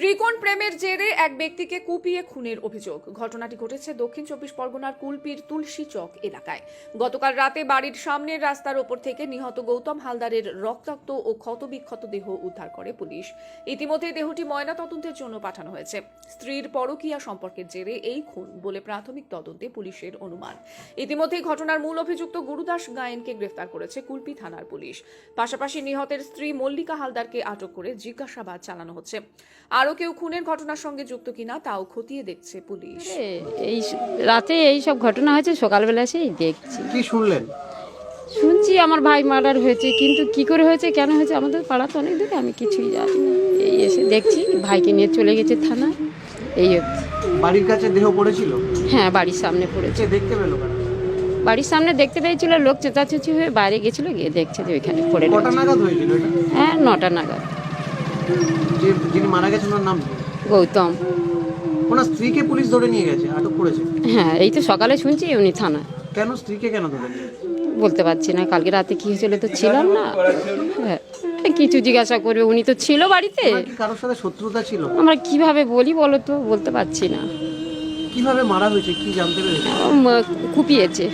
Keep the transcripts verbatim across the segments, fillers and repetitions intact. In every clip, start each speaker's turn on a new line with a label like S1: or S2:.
S1: ত্রিকোণ প্রেমের জেরে এক ব্যক্তিকে কুপিয়ে খুনের অভিযোগ। ঘটনাটি ঘটেছে দক্ষিণ চব্বিশ পরগনার কুলপির তুলসী চক এলাকায়। গতকাল রাতে বাড়ির সামনের রাস্তার ওপর থেকে নিহত গৌতম হালদারের রক্তাক্ত ও ক্ষতবিক্ষত দেহ উদ্ধার করে পুলিশ। ইতিমধ্যে দেহটি ময়নাতদন্তের জন্য পাঠানো হয়েছে। স্ত্রীর পরকীয়া সম্পর্কের জেরে এই খুন বলে প্রাথমিক তদন্তে পুলিশের অনুমান। ইতিমধ্যে ঘটনার মূল অভিযুক্ত গুরুদাস গায়েনকে গ্রেফতার করেছে কুলপি থানার পুলিশ। পাশাপাশি নিহতের স্ত্রী মল্লিকা হালদারকে আটক করে জিজ্ঞাসাবাদ চালানো হচ্ছে। আরও কেউ খুনের ঘটনার সঙ্গে যুক্ত কিনা তাও খতিয়ে দেখছে পুলিশ।
S2: এই রাতে এই সব ঘটনা হয়েছে, সকালবেলা এসেই দেখছি।
S3: কি শুনলেন?
S2: শুনছি আমার ভাই মার্ডার হয়েছে, কিন্তু কি করে হয়েছে, কেন হয়েছে আমাদের পাড়া তো অনেক দূরে, আমি কিছুই জানি না। এই এসে দেখছি ভাইকে নিয়ে চলে গেছে থানায়। এই হচ্ছে।
S3: বাড়ির কাছে দেহ পড়েছিল?
S2: হ্যাঁ, বাড়ির সামনে পড়েছে।
S3: দেখতে পেলো কারা?
S2: বাড়ির সামনে দেখতে পেয়েছিল, লোক চেঁচাচেঁচি হয়ে বাইরে গেছিল, গিয়ে দেখছে যে ওইখানে পড়ে
S3: কটা
S2: রয়েছে।
S3: নাগাদ হয়েছিল এটা?
S2: হ্যাঁ, নটা নাগাদ।
S3: যে যিনি মারা গেছেন ওনার নাম কি?
S2: গৌতম।
S3: ওনার স্ত্রীকে পুলিশ ধরে নিয়ে গেছে, আটক করেছে?
S2: হ্যাঁ, এই তো সকালে শুনছি উনি থানায়।
S3: কেন স্ত্রীকে কেন ধরে নিয়ে গেছে?
S2: বলতে পারছি না, কালকে রাতে কি হয়েছিল তো ছিলাম না। হ্যাঁ, কিছু জিজ্ঞাসা করবে, উনি তো ছিল বাড়িতে।
S3: ওনার কি কারোর সাথে শত্রুতা ছিল?
S2: আমরা কিভাবে বলি বলো তো, বলতে পারছি না।
S3: কিভাবে মারা হয়েছে কি জানতে পেরেছে?
S2: উম, কুপিয়েছে।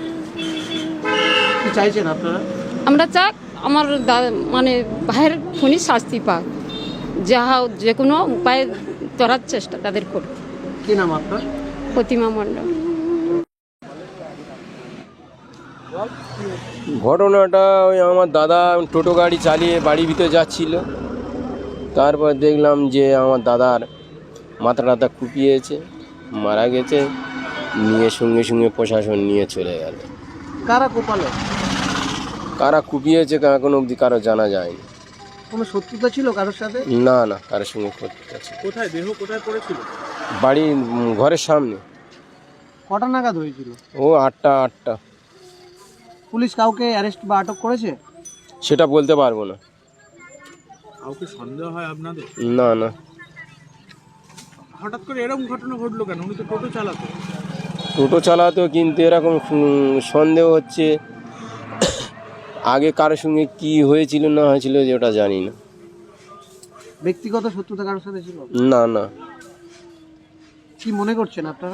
S3: কি চাইছেন আপনারা?
S2: আমরা চাক আমার দা- মানে ভাইয়ের খুনি শাস্তি পাক, যা যে কোনো উপায়ে ধরার চেষ্টা তাদের করুক।
S3: কি নাম আপনার?
S2: প্রতিমা মণ্ডল।
S4: ঘটনাটা ওই আমার দাদা টোটো গাড়ি চালিয়ে বাড়ির ভিতরে যাচ্ছিল, তারপর দেখলাম যে আমার দাদার মাথা টাথা কুপিয়েছে, মারা গেছে, নিয়ে সঙ্গে সঙ্গে প্রশাসন নিয়ে চলে গেল।
S3: কারা কোপালো?
S4: কারা কুপিয়েছে এখনো অবধি কারো জানা যায়নি।
S3: কোনো শত্রুতা ছিল কারোর সাথে?
S4: না না, কারোর সঙ্গে করতে আছে।
S3: কোথায় দেহ কোথায় পড়েছিল?
S4: বাড়ির উম, ঘরের সামনে।
S3: কটা নাগাদ হয়েছিল?
S4: ও আটটা আটটা
S3: পুলিশ কাউকে অ্যারেস্ট বা আটক করেছে?
S4: সেটা বলতে পারবো না।
S5: কাউকে সন্দেহ হয় আপনাদের?
S4: না না,
S5: হঠাৎ করে এরকম ঘটনা ঘটলো কেন? উনি তো টোটো চালাতো।
S4: টোটো চালাতো, কিন্তু এরকম উম, সন্দেহ হচ্ছে আগে কারোর সঙ্গে কি হয়েছিল না হয়েছিল যে ওটা জানি না।
S3: ব্যক্তিগত শত্রুতা কারোর সাথে ছিল?
S4: না না,
S3: কি মনে করছেন আপনারা?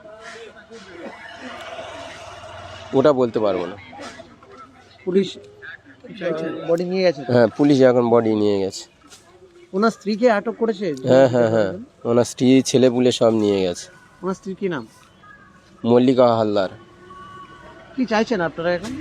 S4: ওটা বলতে পারবো না।
S3: পুলিশ বডি নিয়ে গেছে?
S4: হ্যাঁ, পুলিশ এখন বডি নিয়ে গেছে।
S3: ওনার স্ত্রীকে আটক করেছে?
S4: হ্যাঁ হ্যাঁ হ্যাঁ, ওনার স্ত্রী ছেলে পুলে সব নিয়ে গেছে।
S3: ওনার স্ত্রী কি নাম?
S4: মল্লিকা হালদার।
S3: কি চাইছেন আপনারা এখন?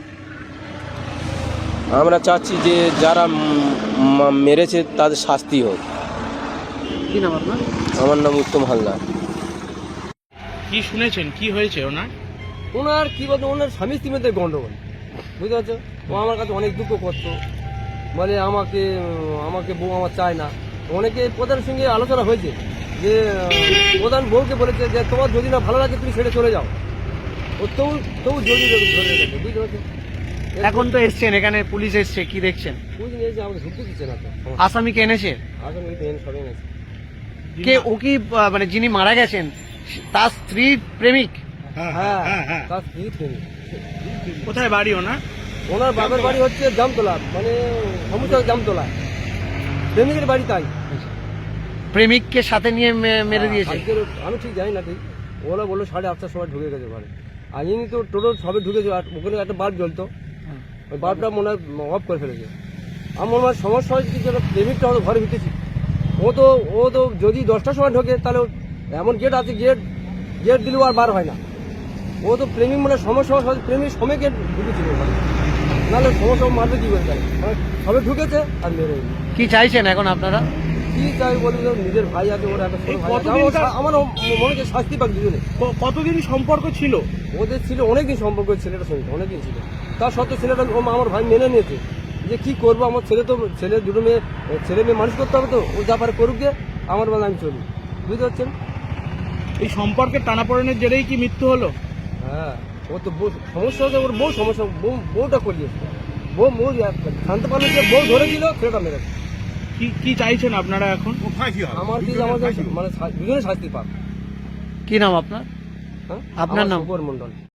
S4: আমরা চাচ্ছি যে যারা উম, মা- মেরেছে তাদের শাস্তি হোক।
S3: কি নাম আপনার?
S4: আমার নাম উত্তম হালদার।
S5: কি শুনেছেন, কি হয়েছে ওনার?
S6: ওনার কি বলতো, ওনার স্বামী স্ত্রীর মধ্যে গন্ডগোল, বুঝতে পারছো? ও আমার কাছে অনেক দুঃখ করতো, বলে আমাকে আমাকে বউ আমার চায় না। অনেকে প্রধানের সঙ্গে আলোচনা হয়েছে যে উম, প্রধান বউকে বলেছে যে তোমার যদি না ভালো লাগে তুমি ছেড়ে চলে যাও। ও তবু তবু জড়ি ধরে রেখেছে, বুঝতে পারছো?
S3: এখন তো এসছেন এখানে, পুলিশ এসছে, কি দেখছেন?
S6: বুঝে নিয়েছে, আমাকে ঢুকতে দিচ্ছে না তো।
S3: আসামিকে এনেছে?
S6: আসলে সবাই গেছে।
S3: কে ও কি আহ, মানে যিনি মারা গেছেন তার স্ত্রীর প্রেমিক?
S6: হ্যাঁ, তার স্ত্রী প্রেমিক।
S5: কোথায় বাড়ি ওনার?
S6: ওনার বাবার বাড়ি হচ্ছে জামতলা, মানে সমুদ্র জামতলা। প্রেমিকের বাড়ি তাই।
S3: প্রেমিককে সাথে নিয়ে মে- মেরে দিয়েছে?
S6: আজকের আমি ঠিক জানি না, ঠিক ওরা বললো সাড়ে আটটার সময় ঢুকে গেছে ঘরে। আর ইনি তো টোটো সবে ঢুকেছে, আর ওখানে একটা বাল্ব জ্বলতো, ওই বাল্বটা মনে হয় অফ করে ফেলেছে। আমার মনে হয় সমস্যা হয়েছে কি, যেন প্রেমিকটা হয়তো ঘরে ভিতেছি। ও তো ও তো যদি দশটার সময় ঢোকে তাহলে ও- এমন গেট আছে, গেট গেট দিলেও আর বার হয় না। ও তো প্রেমিক মানে সমস্যা হয়েছে, প্রেমিক সময় গেট ঢুকেছিল ঘরে, নাহলে সমস্যা মারবে কি করে তাই? মানে সবে ঢুকেছে আর মেরে দিল।
S3: কি চাইছেন এখন আপনারা?
S6: কি চাই বলি, তো নিজের ভাই আছে, ওর একটা ছোট
S5: এই
S6: ভাই আছে।
S5: কতদিন
S6: আমার-
S5: তার-
S6: আমার মনে হচ্ছে শাস্তি পাক দুজনে।
S5: ক- কতদিন সম্পর্ক ছিল?
S6: ওদের ছিল অনেকদিন সম্পর্ক, ছেলেটার সঙ্গে অনেকদিন ছিল। তার সত্ত্বেও ছেলেটা ও আমার ভাই মেনে নিয়েছে যে কি করবো, আমার ছেলে তো ছেলে দুটো মেয়ে ছেলে মেয়ে মানুষ করতে হবে, তো ও যা পারে করুক গিয়ে, আমার বেলা আমি চলি, বুঝতে পারছেন?
S5: এই সম্পর্কের টানাপোড়েনের জেরেই কি মৃত্যু হলো?
S6: হ্যাঁ, ও তো বউ সমস্যা হচ্ছে, ওর বউ সমস্যা, বউ বউটা করিয়েছে। বউ বউ জানতে পারলো যে বউ ধরেছিল, ছেলেটা মেরেছে।
S5: কি কি চাইছেন আপনারা এখন?
S6: আমার কি আমাদের মানে দুজনে শাস্তি পাক।
S3: কি নাম আপনার?
S6: হ্যাঁ,
S3: আপনার
S6: আমার
S3: নাম?
S6: শুভর মণ্ডল।